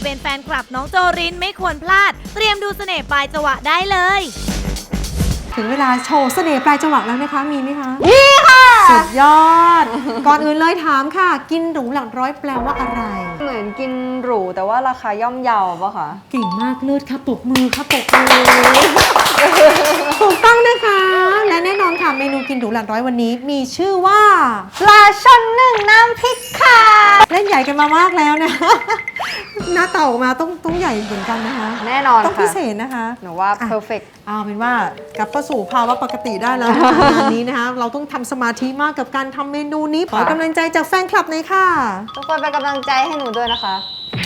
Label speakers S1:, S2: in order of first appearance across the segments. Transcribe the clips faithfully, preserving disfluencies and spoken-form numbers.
S1: เป็นแฟนคลับน้องโจรินไม่ควรพลาดเตรียมดูเสน่ห์ปลายจังหวะได้เลย
S2: ถึงเวลาโชว์เสน่ห์ปลายจังหวะแล้วนะคะมีไหมคะ
S3: มีค่ะ
S2: สุดยอด ก่อนอื่นเลยถามค่ะกินหรูหลักร้อยแปลว่าอะไร
S3: เหมือนกินหรูแต่ว่าราคาย่อมเยาปะคะ
S2: เก่งมากเลิศค่ะปรบมือค่ะปรบมือถูกต้องนะคะและแน่นอนค่ะเมนูกินหรูหลักร้อยวันนี้มีชื่อว่า
S3: ปลาช่อนนึ่งน้ำพริกค่ะ
S2: เล่นใหญ่กันมามากแล้วนะหน้าเต่าออกมาต้องต้องใหญ่เหมือนกันนะคะ
S3: แน่นอนค่ะ
S2: ต้องพิเศษนะคะ
S3: หนูว่า perfect
S2: เอาเป็นว่ากลับเข้าสู่ภาวะปกติได้แล้วนะคะงานนี้นะคะเราต้องทำสมาธิมากกับการทำเมนูนี้ขอกำลังใจจากแฟนคลับหน่อยค่ะ
S3: ทุกคนเป็นกำลังใจให้หนูด้วยนะคะ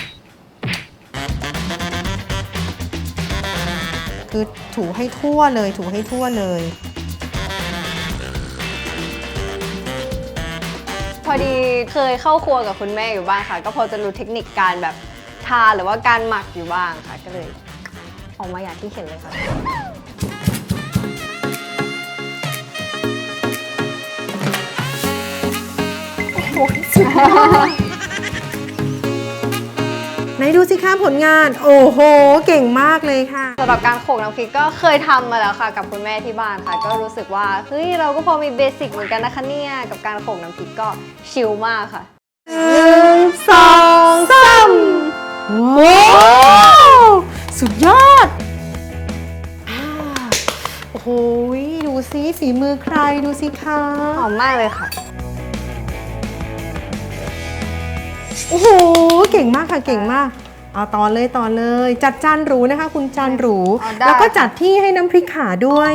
S2: คือถูให้ทั่วเลยถูให้ทั่วเลย
S3: พอดีเคยเข้าครัวกับคุณแม่อยู่บ้างค่ะก็พอจะรู้เทคนิคการแบบทาหรือว่าการหมักอยู่บ้างค่ะก็เลยออกมาอย่างที่เห็นเลยค่ะ
S2: ไหนดูสิคะผลงานโอ้โหเก่งมากเลยค่ะ
S3: สำหรับการโขลกน้ำพริกก็เคยทำมาแล้วค่ะกับคุณแม่ที่บ้านค่ะก็รู้สึกว่าเฮ้ยเราก็พอมีเบสิกเหมือนกันนะคะเนี่ยกับการโขลกน้ำพริกก็ชิลมากค่ะ
S2: หนึ่งสองสามว้าวสุดยอดโอ้โหดูสิฝีมือใครดูสิคะ
S3: หอมมากเลยค่ะ
S2: โอ้โหเก่งมากค่ะเก่งมากเอาต่อเลยต่อเลยจัดจานหรูนะคะคุณจานหรูแล้วก็จัดที่ให้น้ำพริกขาด้วย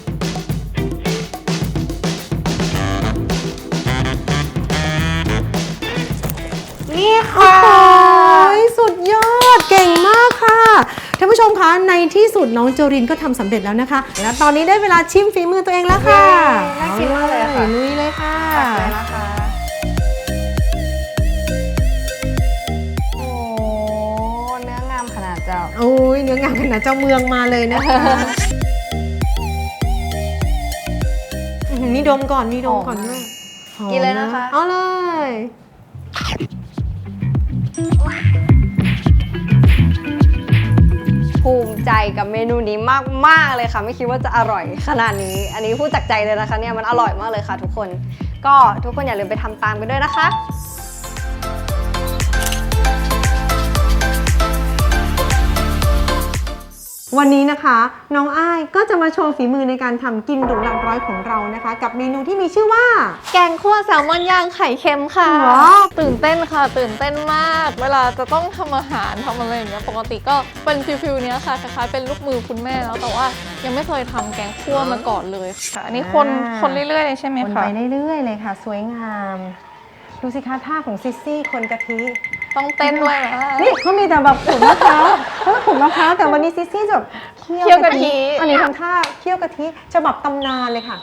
S3: นี่ค่ะ
S2: สุดยอดเก่งมากค่ะท่านผู้ชมคะในที่สุดน้องโจรินก็ทำสำเร็จแล้วนะคะและตอนนี้ได้เวลาชิมฝีมือตัวเองแล้วค่ะ
S3: น่ากินมากเลยค่ะ
S2: ลุยเลยค่ะโอ้ยเนื้องามขนาดเจ้าเมืองมาเลยนะคะนี่ดมก่อนนี่ดมก่อนด้วย
S3: กินเลยนะคะ
S2: เอาเลย
S3: ภูมิใจกับเมนูนี้มากๆเลยค่ะไม่คิดว่าจะอร่อยขนาดนี้อันนี้พูดจากใจเลยนะคะเนี่ยมันอร่อยมากเลยค่ะทุกคนก็ทุกคนอย่าลืมไปทำตามกันด้วยนะคะ
S2: วันนี้นะคะน้องอ้ายก็จะมาโชว์ฝีมือในการทำกินหรูหลักร้อยของเรานะคะกับเมนูที่มีชื่อว่า
S4: แกงคั่วแซลมอนย่างไข่เค็มค่ะตื่นเต้นค่ะตื่นเต้นมากเวลาจะต้องทำอาหารทำอะไรอย่างเงี้ยปกติก็เป็นฟิลๆเนี้ยค่ะคล้ายๆเป็นลูกมือคุณแม่แล้วแต่ว่ายังไม่เคยทำแกงคั่วมาก่อนเลยค่ะอันนี้คนคนเรื่อยๆเลยใช่ไหมคะ
S2: คนไปเรื่อยๆเลยค่ะสวยงามดูสิคะท่าของซิสซี่คนกะทิ
S4: ต้องเต้นด้วยนะ
S2: นี่เขามีแต่แบบขูดมะพร้าวเขาขูดมะพร้าวแต่วันนี้ซิสซี่แบบเคี่ยวกะทิอันนี้ทำท่าเคี่ยวกะทิฉบับตำนานเลยค่ะ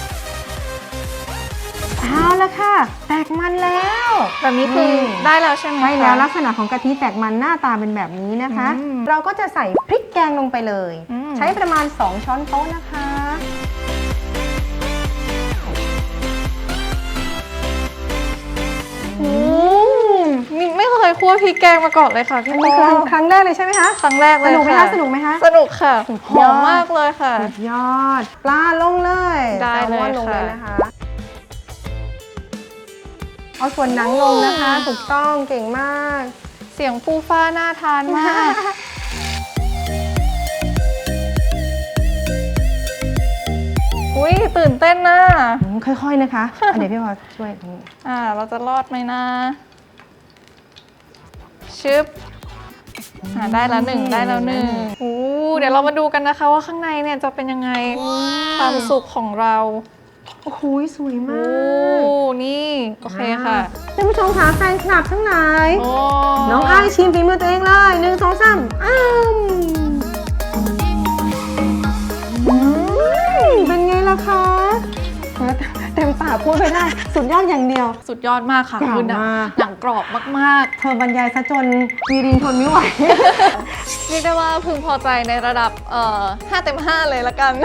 S2: เอาละค่ะแตกมันแล้ว
S4: แบบนี้คือได้แล้วใช่ไหม
S2: ใช่แล้วลักษณะของกะทิแตกมันหน้าตาเป็นแบบนี้นะคะเราก็จะใส่พริกแกงลงไปเลยใช้ประมาณสองช้อนโต๊ะนะคะ
S4: ไม่เคยคั่วพริกแกงมาก่อนเลยค่ะพี่โป้
S2: ครั้งแรกเลยใช่ไหมคะ
S4: ครั้งแรกเลย
S2: สนุกไหมคะสนุกไหมคะ
S4: สนุกค่ะหอมมากเลยค่ะ
S2: สุดยอดปลาลงเลย
S4: ได้เลย
S2: ลงเลยนะคะเอาส่วนหนังลงนะคะถูกต้องเก่งมาก
S4: เสียงฟูฟ้าน่าทานมากอุ้ยตื่นเต้นนะ
S2: ค่อยๆนะคะเดี๋ยวพี่พอช่วย
S4: อ่าเราจะรอดไหมนะชึบได้แล้วหนึ่งได้แล้วหนึ่งโอ้เดี๋ยวเรามาดูกันนะคะว่าข้างในเนี่ยจะเป็นยังไงความสุขของเรา
S2: โอ้โหสวยมาก
S4: โอ้นี่โอเคค่ะ
S2: ท่านผู้ชมคะแฟนคลับทั้งหลายน้องอ้ายชิมฝีมือตัวเองเลยหนึ่งสองสามอ้าวเป็นไงล่ะคะเต็มปากพูดไม่ได้สุดยอดอย่างเดียว
S4: สุดยอดมากค่ะคือหนังกรอบมาก
S2: ๆเธอบรรยายซะจนวีรินทนไม่ไหว
S4: เรียกได้ว่าพึงพอใจในระดับเอ่อห้าเต็มห้าเลยละกัน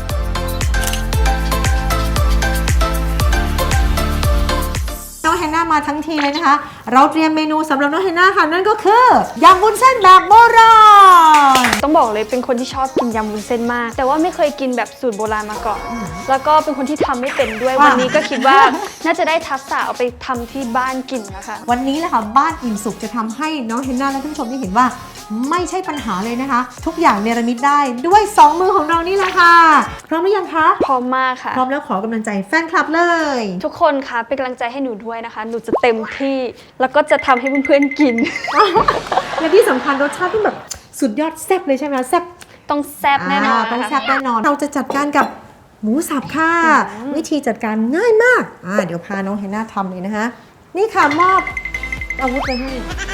S2: น้องแฮนนามามาทั้งทีเลยนะคะ เราเตรียมเมนูสำหรับน้องเฮน่าค่ะนั่นก็คือยำวุ้นเส้นแบบโบราณ
S5: ต้องบอกเลยเป็นคนที่ชอบกินยำวุ้นเส้นมาก แต่ว่าไม่เคยกินแบบสูตรโบราณมาก่อน แล้วก็เป็นคนที่ทำไม่เป็นด้วย
S2: ว่า
S5: วันนี้ก็คิดว่าน่าจะได้ทักษะเอาไปทำที่บ้านกินนะคะ
S2: วันนี้แหละค่ะบ้านอิ่มสุขจะทำให้น้องเฮนน่าและท่านผู้ชมได้เห็นว่าไม่ใช่ปัญหาเลยนะคะ ทุกอย่างเนรมิตได้ด้วยสองมือของเรานี่แหละค่ะพร้อมหรือยังคะ
S5: พร้อมมากค่ะ
S2: พร้อมแล้วขอกำลังใจแฟนคลับเลย
S5: ทุกคนคะเป็นกำลังใจให้หนูด้วยนะคะ หนูจะเต็มที่ แล้วก็จะทำให้เพื่อนๆกิน
S2: และที่สำคัญรสชาติต้องแบบสุดยอดแซ่บเลยใช่ไหมแซ่บ
S5: ต้องแซ่บแน่นอน
S2: าต้อง
S5: นะคะ
S2: แซ่บแน่นอน เราจะจัดการกับหมูสับค่ะ วิธีจัดการง่ายมากอ่าเดี๋ยวพาน้องเฮนน่าทำเลยนะคะ นี่ค่ะมอบอาวุธไปให้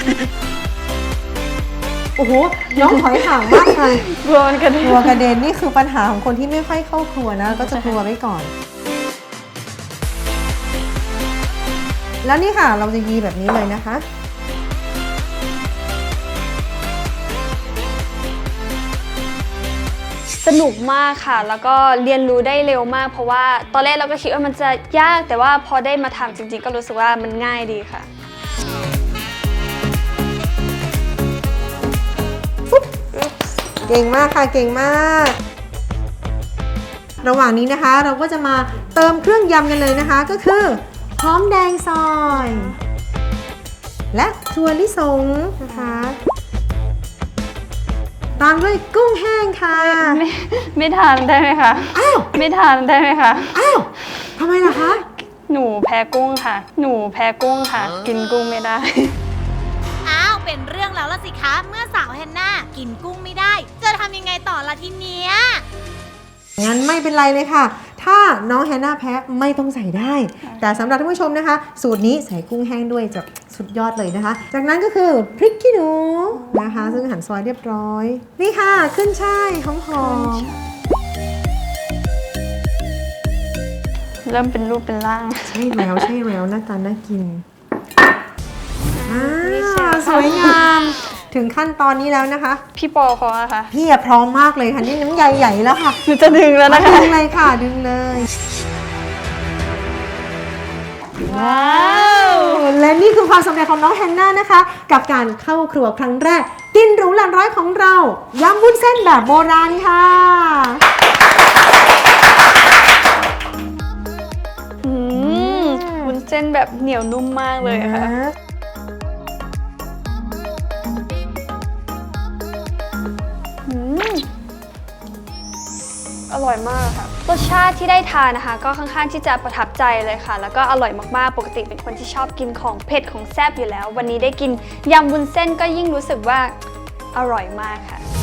S2: โอ้โห น้องถอยห่างมากเลย
S5: กลัวมันกระเด็น
S2: กลัวกระเด็นนี่คือปัญหาของคนที่ไม่ค่อยเข้าครัวนะ ก็จะกลัวไว้ก่อน แล้วนี่ค่ะเราจะยีแบบนี้เลยนะคะ
S5: สนุกมากค่ะ แล้วก็เรียนรู้ได้เร็วมาก เพราะว่าตอนแรกเราก็คิดว่ามันจะยาก แต่ว่าพอได้มาทำจริงๆ ก็รู้สึกว่ามันง่ายดีค่ะ
S2: เก่งมากค่ะเก่งมาก ระหว่างนี้นะคะเราก็จะมาเติมเครื่องยำกันเลยนะคะ ก็คือหอมแดงซอย และถั่วลิสงนะคะตามด้วยกุ้งแห้งค่ะ
S5: ไม่ไม่ทานได้ไหมคะ
S2: อ้าว
S5: ไม่ทานได้ไหมคะ
S2: อ้าวทำไมล่ะคะ
S5: หนูแพ้กุ้งค่ะ หนูแพ้กุ้งค่ะ กินกุ้งไม่ได้
S1: อ้าว เป็นเรื่องแล้วละสิคะ เมื่อสาวแฮนนากินกุ้งไม่ได้ จะทำยังไงต่อละทีเนี้ย
S2: งั้นไม่เป็นไรเลยค่ะ ถ้าน้องแฮนนาแพ้ไม่ต้องใส่ได้ แต่สำหรับท่านผู้ชมนะคะ สูตรนี้ใส่กุ้งแห้งด้วยจะสุดยอดเลยนะคะ จากนั้นก็คือพริกขี้หนูนะคะ ซึ่งหั่นซอยเรียบร้อย นี่ค่ะขึ้นช่ายหอมๆ
S5: เริ่มเป็นรูปเป็นร่าง
S2: ใช่แล้วใช่แล้วหน้าตาน่ากินอ่า
S5: นี่เชฟ
S2: สวยงาม ถึงขั้นตอนนี้แล้วนะคะ
S5: พี่ปอเขาอะค่ะ
S2: พี่อะพร้อมมากเลยค่ะนี่น้ำใหญ่ๆแล้วค่ะ
S5: หนูจะดึงแล้วนะคะ
S2: ดึงเลยค่ะดึงเลย
S5: ว้าว
S2: และนี่คือความสำเร็จของน้องแฮนนานะคะ กับการเข้าครัวครั้งแรก กินหรูหลันร้อยของเรายำวุ้นเส้นแบบโบราณค่ะ
S5: อืมวุ้นเส้นแบบเหนียวนุ่มมากเลยค่ะ อืมอร่อยมากค่ะ รสชาติที่ได้ทานนะคะ ก็ค่อนข้างที่จะประทับใจเลยค่ะ แล้วก็อร่อยมากๆ ปกติเป็นคนที่ชอบกินของเผ็ดของแซ่บอยู่แล้ว วันนี้ได้กินยำวุ้นเส้นก็ยิ่งรู้สึกว่าอร่อยมากค่ะ